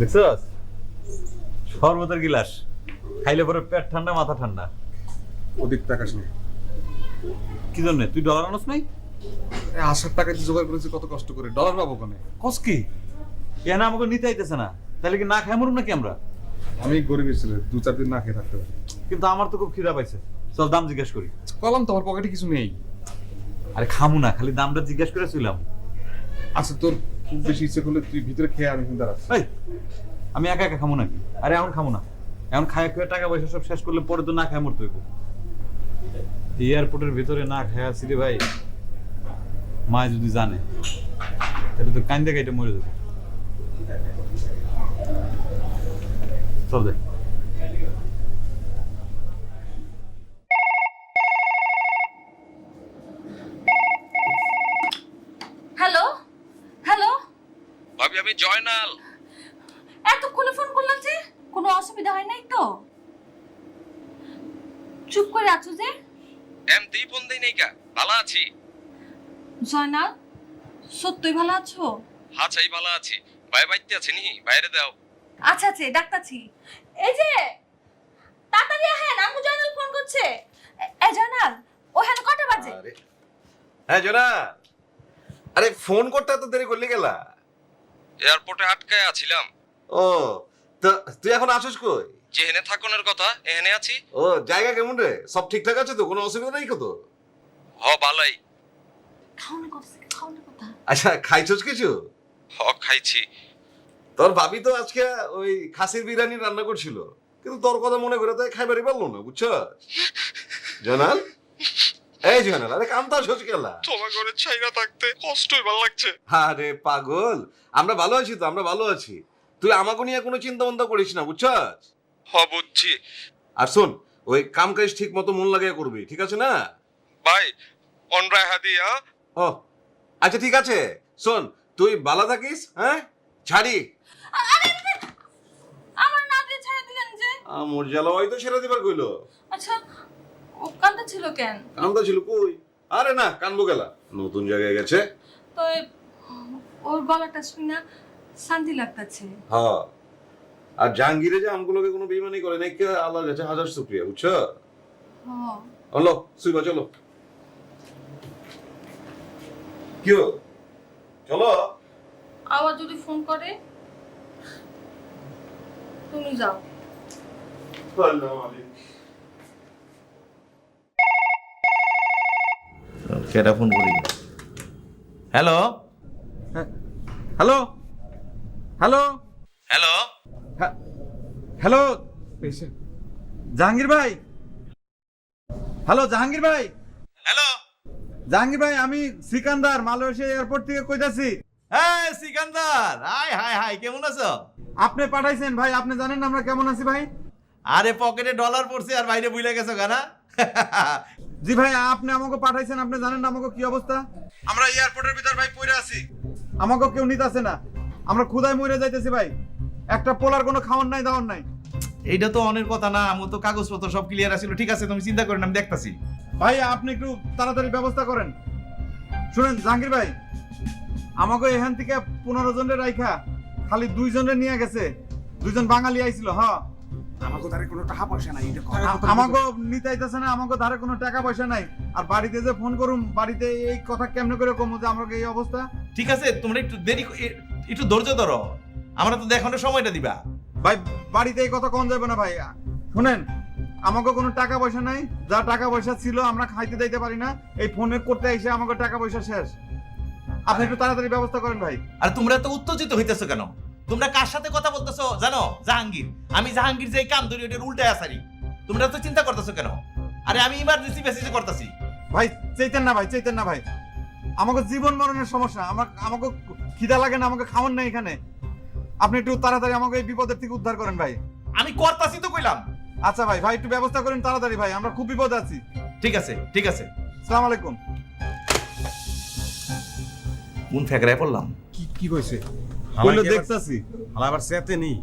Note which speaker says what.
Speaker 1: দেখছস শরবতের গিলাস খাইলে পরে পেট ঠান্ডা মাথা ঠান্ডা।
Speaker 2: অধিক টাকা শুনে
Speaker 1: কি জন্য তুই ডলার আনস নাই?
Speaker 2: আসার টাকা দিয়ে জোগাড় করেছি কত কষ্ট করে, ডলার পাবো কেন?
Speaker 1: কস কি এনা আমাকে নিতে আইতেছে না, তাহলে কি না খাই মরুম নাকি আমরা?
Speaker 2: আমি গরিবের ছেলে, 2-4 দিন না খেয়ে থাকতে পারি।
Speaker 1: কিন্তু আমার তো খুব খিদা পাইছে, চল দাম জিজ্ঞেস করি।
Speaker 2: বললাম তোমার পকেটে কিছু নেই।
Speaker 1: আরে খামু না, খালি দামটা জিজ্ঞেস করে ছিলাম।
Speaker 2: আচ্ছা তোর খুব বেশি ইচ্ছে করলে তুই ভিতরে খেয়ে আমি কিন্তু দাঁড়াচ্ছি।
Speaker 1: এই আমি একা একা খামু নাকি? আরে এখন খামু না, এখন খায় খেয়ে টাকা পয়সা সব শেষ করলে পরে তো না খায় মরতে হইব। এয়ারপোর্টের ভিতরে না খায় আছি রে ভাই, মা যদি জানে তাহলে তো কান্দে কাইটে মরে যাবে। চল দে।
Speaker 3: হ্যালো হ্যালো,
Speaker 4: ভাবি আমি জয়নাল।
Speaker 3: এতক্ষণে ফোন করলাম যে কোনো অসুবিধা হয় নাই তো? চুপ করে আছো যে?
Speaker 4: এমতেই ফোন দেই নাই কা, ভালো আছি।
Speaker 3: জয়নাল, সত্যই ভালো আছো?
Speaker 4: হ্যাঁ চাই ভালো আছি। ভাই বাইতে আছে নি, বাইরে দাও।
Speaker 3: আচ্ছা আচ্ছা ডাক্তারছি। এই যে তাড়াতাড়ি আহেন, আমু জয়নাল ফোন করছে। এই জয়নাল, ওখানে কটা বাজে?
Speaker 5: আরে হ্যাঁ জোনা, আরে ফোন করতে এত দেরি করলি গেলা?
Speaker 4: এয়ারপোর্টে আটকায় আছিলাম।
Speaker 5: ও তো তুই এখন আসিস কই?
Speaker 4: যেহেনে থাকনের কথা এহেনে আছি।
Speaker 5: ও জায়গা কেমন রে? সব ঠিকঠাক আছে তো? কোনো অসুবিধা নেই তো?
Speaker 4: হ ভালোই।
Speaker 3: খাওয়ানোর কথা, খাওয়ানোর কথা।
Speaker 5: আচ্ছা খাইছস কিছু?
Speaker 4: হ খাইছি।
Speaker 5: তোর ভাবি তো আজকে ওই খাসির বিরিয়ানি রান্না করছিল, কিন্তু তোর কথা মনে করে তো খাইবারই পারলো না, বুঝছস? জোনাল, এই জোনাল, আরে কান্তা আসিস গেলা?
Speaker 4: তোমার ঘরে ছাইরা থাকতে কষ্টই ভালো লাগছে।
Speaker 5: আরে পাগল, আমরা ভালো আছি তো, আমরা ভালো আছি। তুই আমাকে নিয়ে কোনো চিন্তা ভাবনা করিস না, বুঝছস?
Speaker 4: হ বুঝছি।
Speaker 5: আর শোন, ওই কাম কাজ ঠিক মতো মন লাগিয়ে করবি, ঠিক আছে না?
Speaker 4: ভাই অনরায় হাদিয়া।
Speaker 5: ও আচ্ছা ঠিক আছে, শোন তুই ভালো থাকিস, হ্যাঁ? ছাড়ি
Speaker 3: আমার না দিয়ে ছেড়ে দিলেন যে?
Speaker 5: মোর জ্বালাওয়াই তো ছেড়ে দিবার কইলো।
Speaker 3: আচ্ছা, ও কান্দা ছিল কেন?
Speaker 5: কান্দা ছিল কই? আরে না, কানবো গেলা, নতুন জায়গায় গেছে।
Speaker 3: তো ওর গলাটা শুনে শান্তি লাগতাছে।
Speaker 5: হ্যাঁ, আর জাহাঙ্গীরে যে আমগুলোকে কোনো বেইমানি করে নাই, কে আল্লাহর কাছে হাজার শুকরিয়া, বুঝছো?
Speaker 3: হ্যাঁ।
Speaker 5: হলো সুইবা চলো। কি হলো? চলো।
Speaker 3: আবার যদি ফোন করে তুমি যাও।
Speaker 6: কেটা ফোন করি। Hello
Speaker 1: hello hello
Speaker 4: hello
Speaker 1: hello, Jahangir ভাই। হ্যালো জাহাঙ্গীর ভাই।
Speaker 4: হ্যালো।
Speaker 1: জাহাঙ্গীর ভাই, আমি সিকান্দার মালয়েশিয়া এয়ারপোর্ট থেকে কইতাছি।
Speaker 6: হ্যাঁ সিকান্দার, হাই হাই হাই, কেমন আছো?
Speaker 1: আপনি পাঠাইছেন ভাই, আপনি জানেন না আমরা কেমন আছি ভাই?
Speaker 6: আরে পকেটে ডলার পড়ছে আর বাইরে বুইলা গেছো গানা।
Speaker 1: জি ভাই, আপনি আমাকে পাঠাইছেন, আপনি জানেন না আমাকে কি অবস্থা? আমরা এয়ারপোর্টের ভিতর ভাই পড়ে আছি, আমাকে কেউ নিতেছে না, আমরা ক্ষুধায় মরে যাইতেছি ভাই। একটা পোলার কোনো খাওয়ার নাই, দাওয়ার নাই।
Speaker 6: এইটা তো অনেক কথা না, আমার তো কাগজপত্র সব ক্লিয়ার আছিল। ঠিক আছে তুমি চিন্তা করেন, আমি দেখতাছি।
Speaker 1: ভাই আপনি একটু তাড়াতাড়ি ব্যবস্থা করেন। শুনেন জাহাঙ্গীর ভাই, আমাকে এখান থেকে 15 জনের রাইখা খালি 2 জনের নিয়ে গেছে। 2 জন বাঙালি আইছিল। হ্যাঁ,
Speaker 2: আমাকে তারে কোনো টাকা পয়সা নাই, এটা
Speaker 1: আমাকে নিতে আইতেছে না, আমাকে ধারে কোনো টাকা পয়সা নাই। আর বাড়িতে যে ফোন করুম, বাড়িতে এই কথা কেমনে করে কমু যে আমাকে এই অবস্থা?
Speaker 6: ঠিক আছে তোমরা একটু দেরি একটু ধৈর্য ধরো, আমরা তো দেখানোর সময়টা দিবা।
Speaker 1: ভাই বাড়িতে এই কথা কোন যাবে না ভাই। শুনেন, আমাকে কোনো টাকা পয়সা নাই, যা টাকা পয়সা ছিল আমরা খাইতে দিতে পারি না। এই ফোনে করতে এসে আমাকে টাকা পয়সা শেষ। আপনি একটু তাড়াতাড়ি ব্যবস্থা করেন ভাই।
Speaker 6: আর তোমরা তো উত্তেজিত হইতেছো কেন? তোমরা কার সাথে কথা বলতেছো জানো? জাহাঙ্গীর। আমি জাহাঙ্গীর যে কাম ধরি ওটার উল্টায় আসারি। তোমরা তো চিন্তা করতেছো কেন? আরে আমি ইমার্জেন্সি মেসেজ করতেছি।
Speaker 1: ভাই চাইতেন না ভাই, চাইতেন না ভাই। আমাকে জীবন মরণের সমস্যা, আমাকে খিদা লাগে না, আমাকে খাওয়ান না এখানে। আপনি একটু তাড়াতাড়ি আমাকে এই বিপদের থেকে উদ্ধার করেন ভাই।
Speaker 6: আমি করতাছি তো কইলাম।
Speaker 1: আচ্ছা ভাই, ভাই একটু ব্যবস্থা করেন তাড়াতাড়ি ভাই, আমরা খুব বিপদে আছি।
Speaker 6: ঠিক আছে ঠিক আছে।
Speaker 1: আসসালামু আলাইকুম।
Speaker 6: কোন ফেকরায় পড়লাম?
Speaker 2: কি কইছে?
Speaker 1: বললো দেখতাছি।
Speaker 2: আবার সেতে নেই।